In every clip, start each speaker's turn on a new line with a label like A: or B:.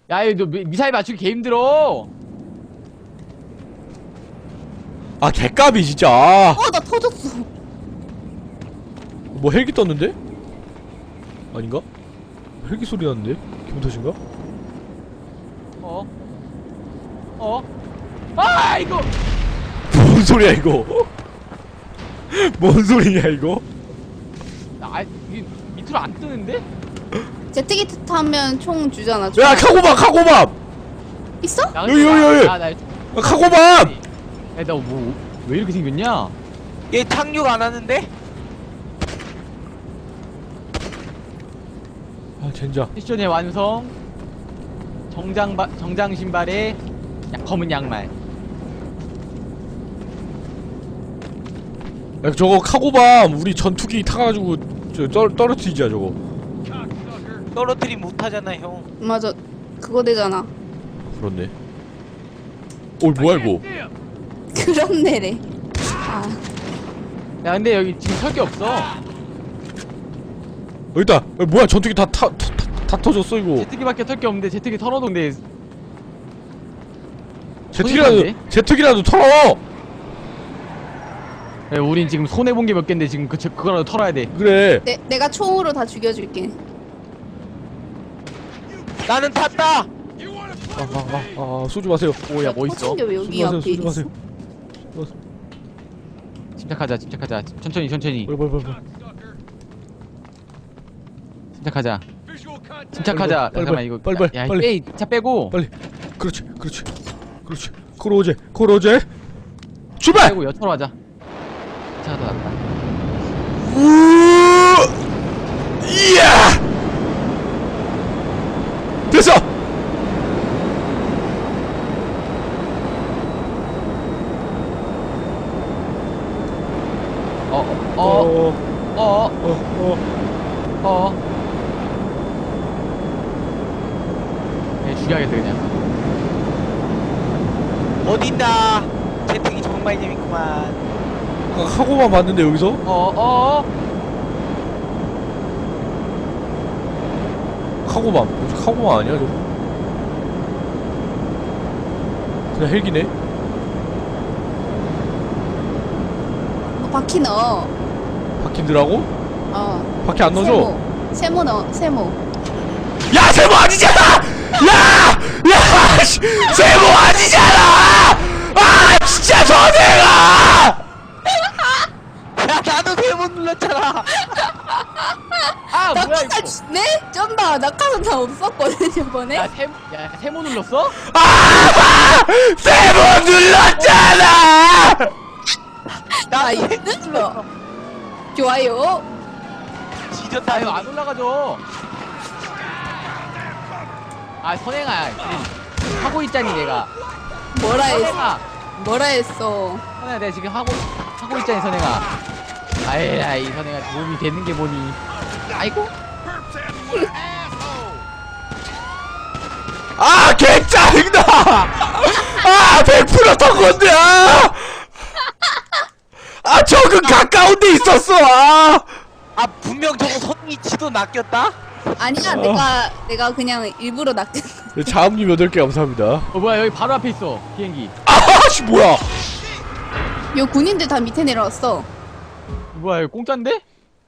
A: 야, 너 미사일 맞추기 개 힘들어.
B: 아 개까비 진짜.
C: 나 터졌어.
B: 뭐 헬기 떴는데? 아닌가? 헬기 소리 나는데? 기분 탓인가?
A: 아, 이거.
B: 뭔 소리야 이거? 뭔 소리냐 이거?
A: 아, 이게 밑으로 안 뜨는데?
C: 제트기 타면 총 주잖아.
B: 야 카고밥!
C: 있어?
A: 야,
B: 여기.
A: 나
B: 카고밥!
A: 야, 너 뭐 왜 이렇게 생겼냐?
D: 얘 착륙 안 하는데?
B: 아 젠장.
A: 미션의 완성. 정장 신발에 검은 양말.
B: 야 저거 카고밤 우리 전투기 타가지고 떨어뜨리자 저거.
D: 떨어뜨리면 못하잖아 형.
C: 맞아. 그거 되잖아.
B: 그렇네. 뭐야 이거?
C: 그렇네래. 아,
A: 야, 근데 여기 지금 설 게 없어.
B: 여기다. 야, 뭐야 전투기 다 터졌어 이거.
A: 제트기밖에 털 게 없는데 제트기 털어놓은데.
B: 제트기라도 털어.
A: 야, 우린 지금 손해 본 게 몇 갠데 지금 그거라도 털어야 돼.
B: 그래.
C: 내가 총으로 다 죽여줄게.
D: 나는 탔다.
B: 쏘지 마세요.
A: 오야, 뭐 있어?
C: 터진 게왜 여기
B: 쏘지 마세요.
C: 앞에
B: 쏘지
C: 있어?
B: 마세요.
A: 침착하자. 천천히.
B: 빨리.
A: 침착하자. 잠깐만 이거.
B: 빨리.
A: 야, 빼, 차 빼고.
B: 빨리. 그렇지. 코로제. 출발.
A: 빼고 여차로 하자. 차가 더 낫다.
B: 이야. 됐어.
A: 얘 죽여야겠다 그냥.
D: 어딨나? 제트기 정말 재밌구만.
B: 카고만 봤는데 여기서? 카고만 아니야 저거? 그냥 헬기네?
C: 바퀴 넣어.
B: 바퀴 넣으라고? 바퀴 안 넣어줘?
C: 세모 넣어. 세모.
B: 야 세모 아니잖아! 야! 씨! 세모 아니잖아! 아 진짜 선생아!
D: 야 나도 세번 눌렀잖아.
A: 아, 뭐야 이거.
C: 네? 쩐다. 낙하산 다 없었거든 이번에.
A: 야, 세모 눌렀어?
B: 아! 세모 눌렀잖아!
D: 나
C: 있었어. 좋아요.
D: 지졌다.
A: 아, 이거 안 올라가죠. 아, 선행아. 하고 있자니 내가.
C: 뭐라 했어?
A: 선행아.
C: 뭐라 했어?
A: 선행아, 내가 지금 하고 있자니 선행아. 아이 선행아 몸이 되는 게 뭐니. 아이고.
B: 아 개짜증나! 아 100% 턴건데 적은 가까운 데 있었어.
D: 아 분명 저거 선이 지도 낚였다?
C: 아니야. 내가 그냥 일부러 낚였어.
B: 자음님 8개 감사합니다.
A: 뭐야 여기 바로 앞에 있어 비행기.
B: 아씨 뭐야?
C: 요 군인들 다 밑에 내려왔어.
A: 뭐야 이거 공짜인데?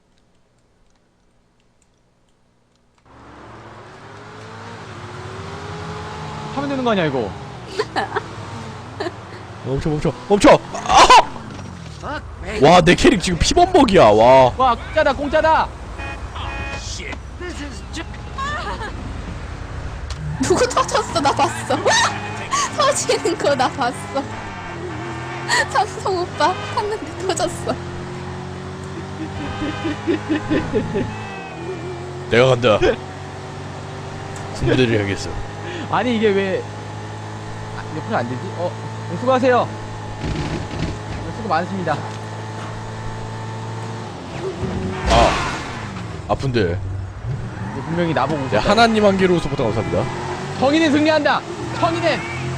A: 하면 되는 거 아니야 이거?
B: 멈춰. 와 내 캐릭 지금 피범벅이야. 와
A: 공짜다.
C: 누구 터졌어? 나 봤어. 터지는 거 나 봤어. 삼성 오빠 탔는데 터졌어.
B: 내가 간다. 군대를 해야겠어.
A: 아니 이게 왜 옆으로 안 되지? 수고하세요. 수고 많으십니다.
B: 아픈데.
A: 이거 분명히 나보고
B: 네, 하나님 한 개로 서포터 감사합니다.
A: 정의는 승리한다. 정의는.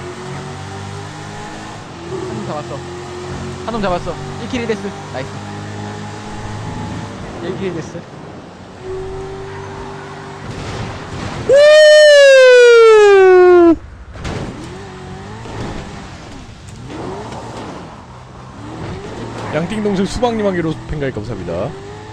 A: 한 놈 잡았어. 1킬 1데스. 나이스. 1킬 1데스.
B: 우! 양띵동생 수박님한개로 팬가입 감사합니다.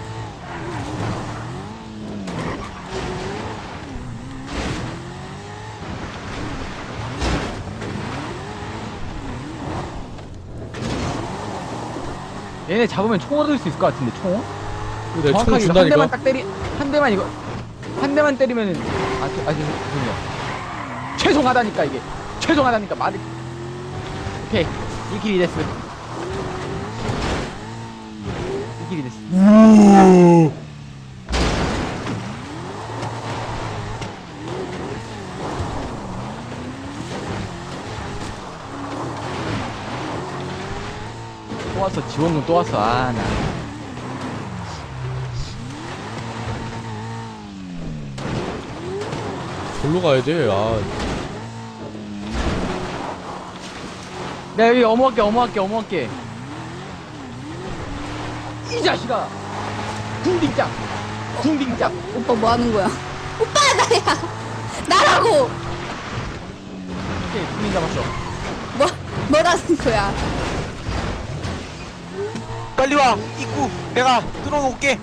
A: 얘네 잡으면 총 얻을 수 있을 것 같은데 총?
B: 내가 총
A: 정확하게 이거 한
B: 준다니까.
A: 대만 딱 때리 한 대만 이거 한 대만 때리면은 죄송해요. 죄송하다니까 이게 죄송하다니까 말이. 오케이 이 길이 됐어. 이 길이 됐어. 또 왔어. 지원군 또 왔어. 아 나.
B: 절로 가야 돼. 아,
A: 내가 여기 어머할게. 이 자식아. 둥딩짝.
C: 오빠 뭐 하는 거야? 오빠 나야. 나라고.
A: 오케이 둥딩 잡았어.
C: 뭐라는 거야?
D: 빨리 와 입구 내가 뚫어놓을게.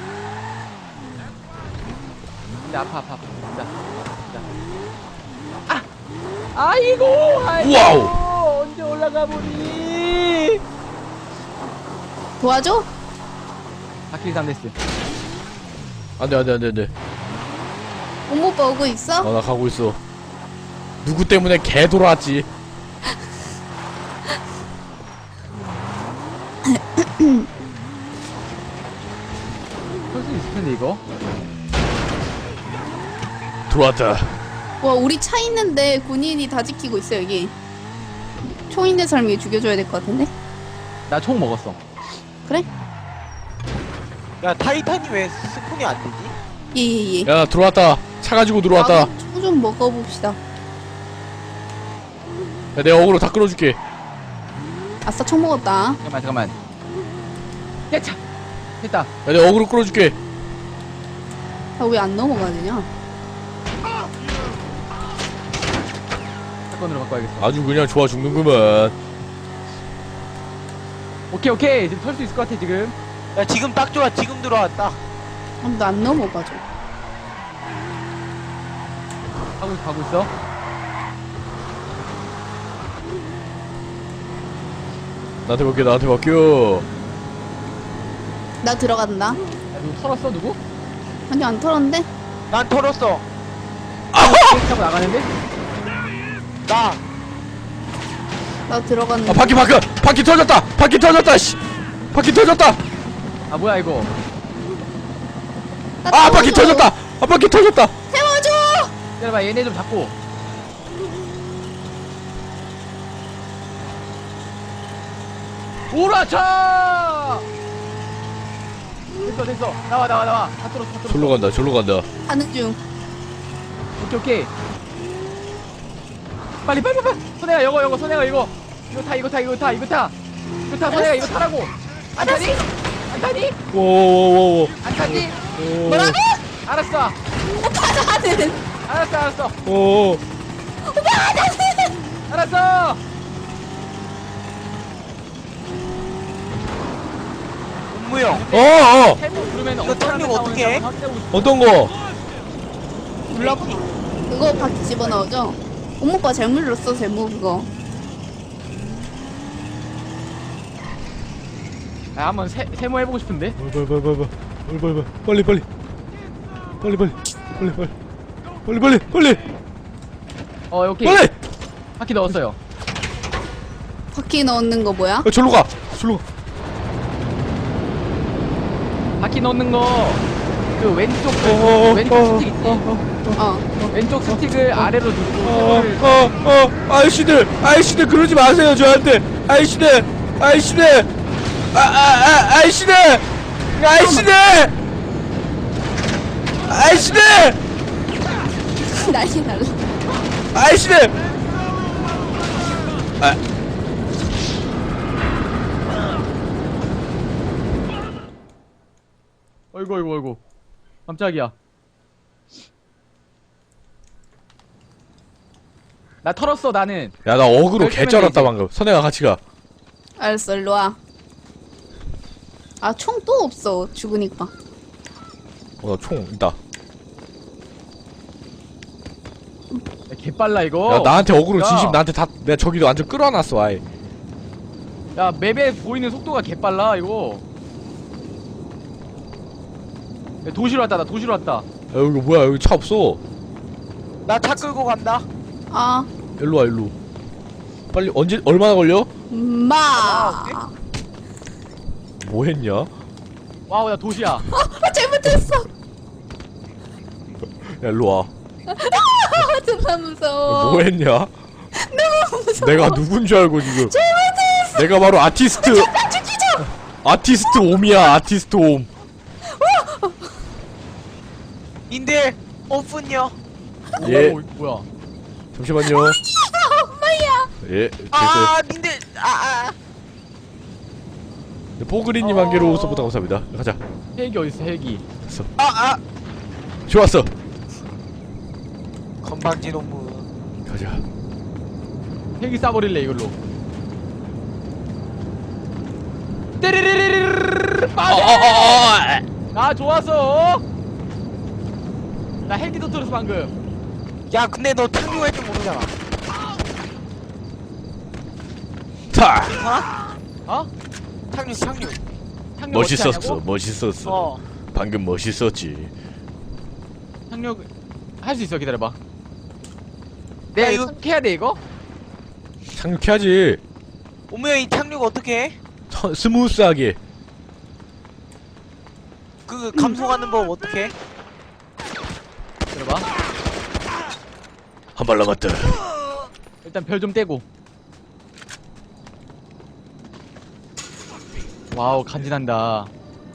A: 근데 아파. 아! 아이고!
B: 와우!
A: 언제 올라가 보니?
C: 도와줘?
A: 바퀴 3데스.
B: 안돼.
C: 엄마 오빠 오고 있어?
B: 나 가고 있어. 누구 때문에 개 돌아왔지?
A: 할 수 있을 텐데 이거.
B: 들어왔다.
C: 와 우리 차 있는데 군인이 다 지키고 있어 여기. 총 있는 사람이 죽여줘야 될 것 같은데?
A: 나 총 먹었어.
C: 그래?
D: 야 타이탄이 왜 스폰이 안 되지?
C: 예예예.
B: 야, 나 들어왔다. 차 가지고 들어왔다.
C: 총좀 먹어봅시다.
B: 야, 내가 어그로 다 끌어줄게.
C: 아싸 총 먹었다.
A: 잠깐만. 야차. 됐다.
B: 야, 내가 어그로 끌어줄게.
C: 아 왜 안 넘어가느냐?
A: 사건으로 바꿔야겠어.
B: 아주 그냥 좋아 죽는구만.
A: 오케이. 지금 털 수 있을 것 같아 지금.
D: 야 지금 딱 좋아. 지금 들어왔다.
C: 아무도 안 넘어가죠.
A: 가고 있어.
B: 나한테 맡겨.
C: 나 들어간다.
A: 야, 누구 털었어 누구?
C: 아니 안 털었는데?
D: 난 털었어.
A: 게임 타고 나가는데?
C: 나 들어갔는데.
B: 아, 바퀴 터졌다. 씨. 바퀴 터졌다.
A: 아 뭐야 이거?
C: 나
B: 아, 바퀴
C: 태워줘.
B: 터졌다. 바퀴 터졌다.
C: 태워줘.
A: 기다려봐 얘네 좀 잡고. 오라차! 됐어. 나와. 다 뚫었어.
B: 절로 간다.
C: 가는 중.
A: 오케이. 빨리. 선혜가 이거 선혜가 이거 타. 선혜가 이거 타라고. 안 타니?
B: 오오오오.
A: 안 타니?
C: 뭐라고?
A: 알았어.
C: 오빠 나는.
A: 알았어.
B: 오.
C: 오빠 나는.
A: 알았어.
D: 무용.
A: 해보 부르면
D: 이거 털리면 어떡해?
B: 어떤 거?
C: 눌러봐. 그거 바퀴 집어넣어줘. 엄마 오빠 잘못 눌렀어 제목 그거.
A: 아 한번 세모 해보고 싶은데.
B: 빨리.
A: 오케이.
B: 빨리.
A: 바퀴 넣었어요.
C: 바퀴 넣는 거 뭐야?
B: 절로 가.
A: 바퀴 넣는 거 그 왼쪽 스틱 있지? 왼쪽 스틱을 아래로 누르고 세모를
B: 아이씨들 그러지 마세요 저한테. 아이씨들
C: 난리 날라.
A: 어이구 깜짝이야. 나 털었어 나는.
B: 야, 나 어그로
A: 그럴
B: 개 쩔었다
A: 거면
B: 방금. 선혜가 같이 가.
C: 알았어 일로 와. 아, 총 또 없어. 죽으니까.
B: 나 총 있다.
A: 야, 개빨라 이거.
B: 야 나한테 어그로
A: 야.
B: 진심 나한테 다 내가 저기도 완전 끌어놨어 아예.
A: 야 맵에 보이는 속도가 개빨라 이거. 야, 도시로 왔다. 나 도시로 왔다.
B: 야 여기 뭐야 여기 차 없어.
D: 나 차 끌고 간다.
C: 아,
B: 일로 와 일로. 빨리 언제 얼마나 걸려?
C: 마.
B: 뭐 했냐?
A: 와우 나 도시야.
C: 아, 잘못했어.
B: 야 일로 와.
C: 아, 존나 무서워.
B: 뭐 했냐?
C: 너무 무서워.
B: 내가 누군 줄 알고 지금.
C: 잘못했어.
B: 내가 바로 아티스트.
C: 죽이자.
B: 아티스트 옴이야 아티스트 옴.
D: 인들 오픈요.
B: 예.
A: 오, 뭐야?
B: 잠시만요.
C: 엄마야.
B: 예. 됐어요.
D: 아 님들 아.
B: 뽀그리님 한 개로 서부터 감사합니다. 가자.
A: 헬기 어딨어 헬기?
B: 됐어.
D: 아.
B: 좋았어.
D: 건방진 놈은.
B: 가자.
A: 헬기 쏴버릴래 이걸로. 떼리리리리리리리리 빠져! 아 좋았어. 나 헬기도 들었어 방금.
D: 야 근데 너 탕류할 줄 모르잖아.
B: 타.
A: 어?
D: 탕류.
A: 착륙 어떻게
B: 멋있었어.
A: 하냐고?
B: 멋있었어. 방금 멋있었지.
A: 착륙 할 수 있어. 기다려봐.
D: 야,
A: 내가
D: 이거-
A: 이거 착륙해야 돼 이거?
B: 착륙해야지.
D: 오메야 이 탕류가 어떻게 해?
B: 스무스하게.
D: 그 감속하는 법 어떻게 해?
A: 기다려봐.
B: 한 발 남았다.
A: 일단 별 좀 떼고. 와우 간지난다.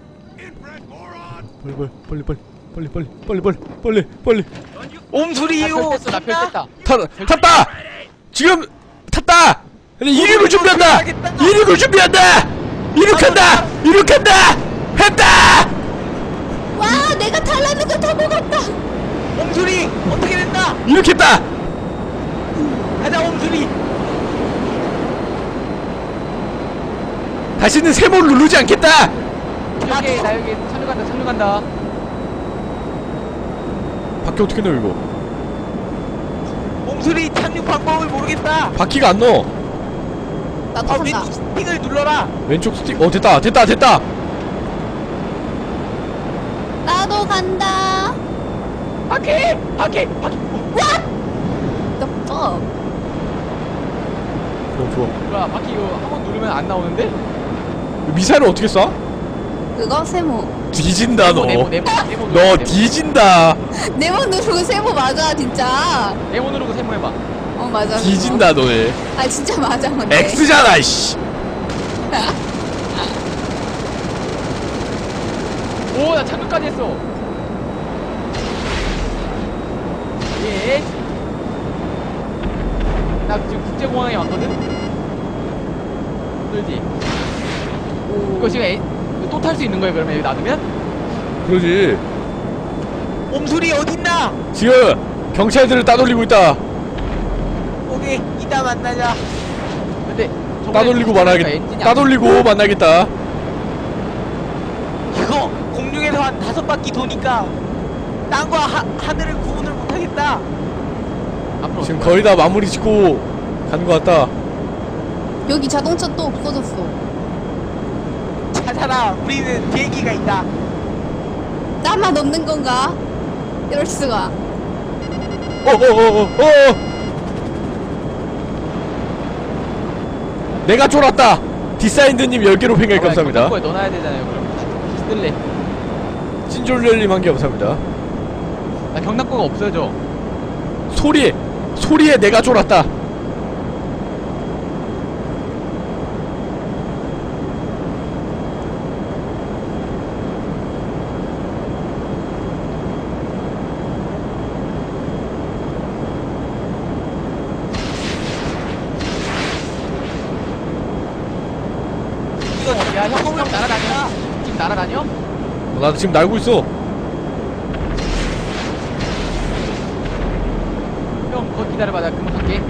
B: 빨리.
D: 옴소리요.
A: 나별 뗐다.
B: 탔다. 지금 탔다. 근데 이륙을 준비한다. 이륙을 준비한다. 이륙한다. 했다.
C: 와, 내가 달라는 거 다 먹었다.
D: 옴소리 어떻게 된다?
B: 이륙했다.
D: 가자 옴소리.
B: 다시는 세모를 누르지 않겠다.
A: 여기 나 여기 착륙한다.
B: 바퀴 어떻게 넣어 이거?
D: 옴소리 착륙 방법을 모르겠다.
B: 바퀴가 안 넣어.
C: 나도
D: 아
C: 간다.
D: 왼쪽 스틱을 눌러라.
B: 왼쪽 스틱. 됐다.
C: 나도 간다.
A: 바퀴.
C: The fuck?
B: 좋아.
A: 뭐야 바퀴 이거 한 번 누르면 안 나오는데?
B: 미사일을 어떻게 쏴?
C: 그거 세모.
B: 뒤진다 너.
A: 네모
B: 너 뒤진다.
C: 네모 누르고 세모 맞아, 진짜.
A: 네모 누르고 세모 해봐.
C: 어, 맞아. 그거.
B: 뒤진다 너네.
C: 아, 진짜 맞아, 근데.
B: X잖아 이씨.
A: 오 나 착륙까지 했어. 예. 나 지금 국제공항에 왔거든. 힘들지. 이거 지금 또 탈 수 있는 거야 그러면 여기 놔두면?
B: 그러지.
D: 옴소리 어딨나?
B: 지금 경찰들을 따돌리고 있다.
D: 오케이 이따 만나자.
A: 근데 저번에
B: 따돌리고
A: 엔진이
B: 만나겠다.
A: 안
B: 따돌리고 만나겠다.
D: 이거 공중에서 한 5바퀴 도니까 땅과 하늘을 구분을 못하겠다.
A: 앞으로
B: 지금
A: 어떡해?
B: 거의 다 마무리 짓고 가는 것 같다.
C: 여기 자동차 또 없어졌어.
D: 찾아라. 우리는 비행기가 있다.
C: 나만 없는 건가? 이럴 수가.
B: 내가 쫄았다. 디사인드님 10개로 팽갈 감사합니다.
A: 거에 넣어놔야 되잖아요 그럼. 쓸래.
B: 찐졸렬님 한 개 감사합니다.
A: 나 경납고가 없어져.
B: 소리에 내가 쫄았다.
A: 야 형 날아다녀. 지금 날아다녀?
B: 나 지금 날고 있어.
A: 형 거기 기다려봐. 나 금방 갈게.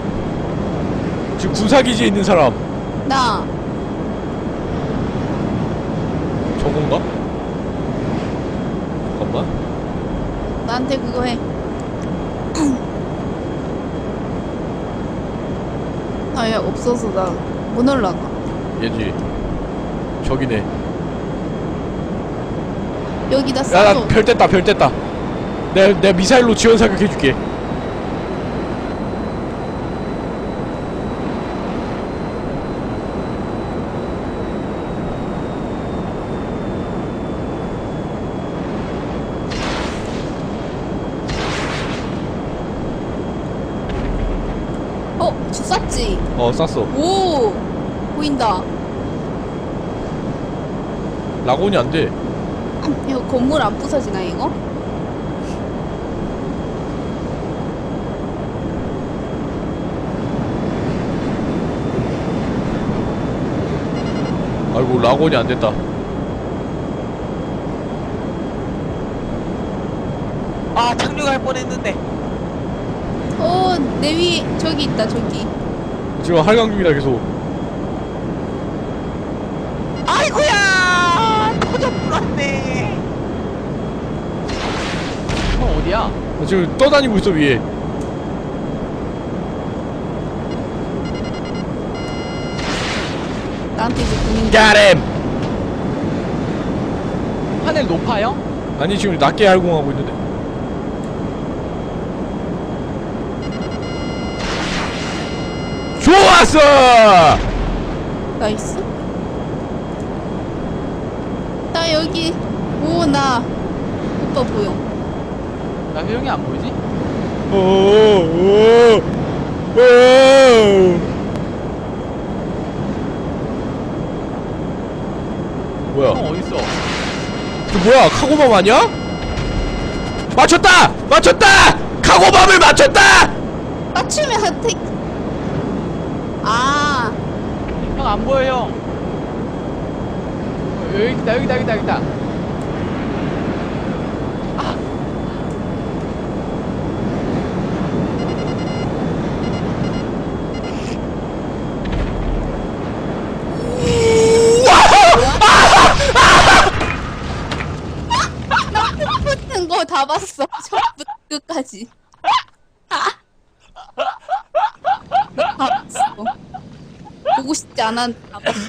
B: 지금 군사기지에 있는 사람.
C: 나.
B: 잠깐만.
C: 나한테 그거 해. 아예 없어서 나 못 올라가.
B: 얘지. 저기네.
C: 여기다
B: 야,
C: 쏴줘.
B: 나 별 뗐다, 별 뗐다. 내가 미사일로 지원 사격해줄게.
C: 쐈지.
B: 쐈어.
C: 오 보인다.
B: 라곤이 안 돼.
C: 이거 건물 안 부서지나 이거?
B: 아이고, 라곤이 안 됐다.
D: 아 착륙할 뻔했는데.
C: 내 위에 저기 있다 저기.
B: 지금 할강 중이다, 계속.
D: 아이고야 터져 불었네.
A: 형 어디야?
B: 나 지금 떠다니고 있어, 위에.
C: 나한테 이제 군인.
B: 갸렘!
A: 하늘 높아요?
B: 아니, 지금 낮게 할공하고 있는데. 좋았어!
C: 나이스. 나 여기. 오 나 오빠 보여.
A: 나 효영이 안 보이지?
B: 뭐야?
A: 형 어딨어?
B: 저 뭐야? 카고밤 아니야? 맞췄다! 맞췄다! 카고밤을 맞췄다!
C: 맞추면 혜택. 아
A: 형 안 보여 형. 여기 있다 여기 있다 여기 있다 여기 있다.
C: 붙는 거 다 봤어. 처음부터 끝까지. 다 봤어. 보고 싶지 않았는데 다 봤어.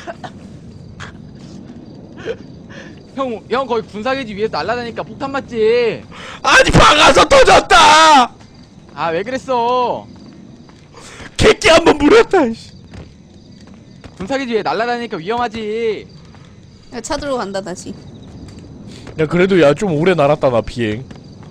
A: 형 거기 군사기지 위에서 날아다니까 폭탄 맞지?
B: 아니, 박아서 터졌다!
A: 아 왜 그랬어?
B: 객기 한번 물었다, 이씨.
A: 군사기지 위에 날아다니니까 위험하지.
C: 야, 찾으러 간다 다시.
B: 야, 그래도 야, 좀 오래 날았다, 나 비행.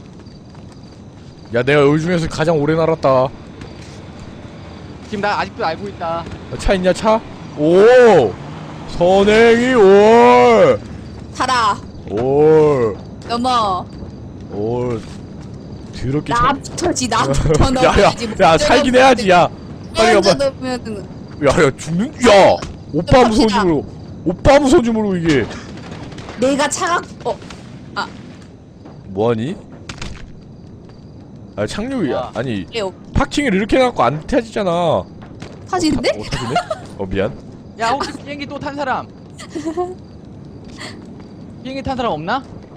B: 야, 내가 여기 중에서 가장 오래 날았다.
A: 지금 나 아직도 알고 있다.
B: 차 있냐, 차? 오! 선행이 올!
C: 달아.
B: 올!
C: 넘어.
B: 올. 더럽게 차.
C: 나부터지 나부터
B: 야, 야,
C: 넘어야지.
B: 야, 살긴 해야지, 야. 빨리
C: 먼저
B: 가봐.
C: 넘으면은
B: 야, 야, 죽는, 야! 오빠 무서운 줌으로. 오빠 무서운 줌으로, 이게.
C: 내가 차가
B: 뭐하니? 아, 착륙이,
A: 아.
B: 아니,
C: 그래요.
B: 파킹을 이렇게 해갖고 안 타지잖아.
C: 타지는데?
B: 타지네? 미안.
A: 야 혹시 비행기 또 탄 사람? 비행기 탄 사람 없나?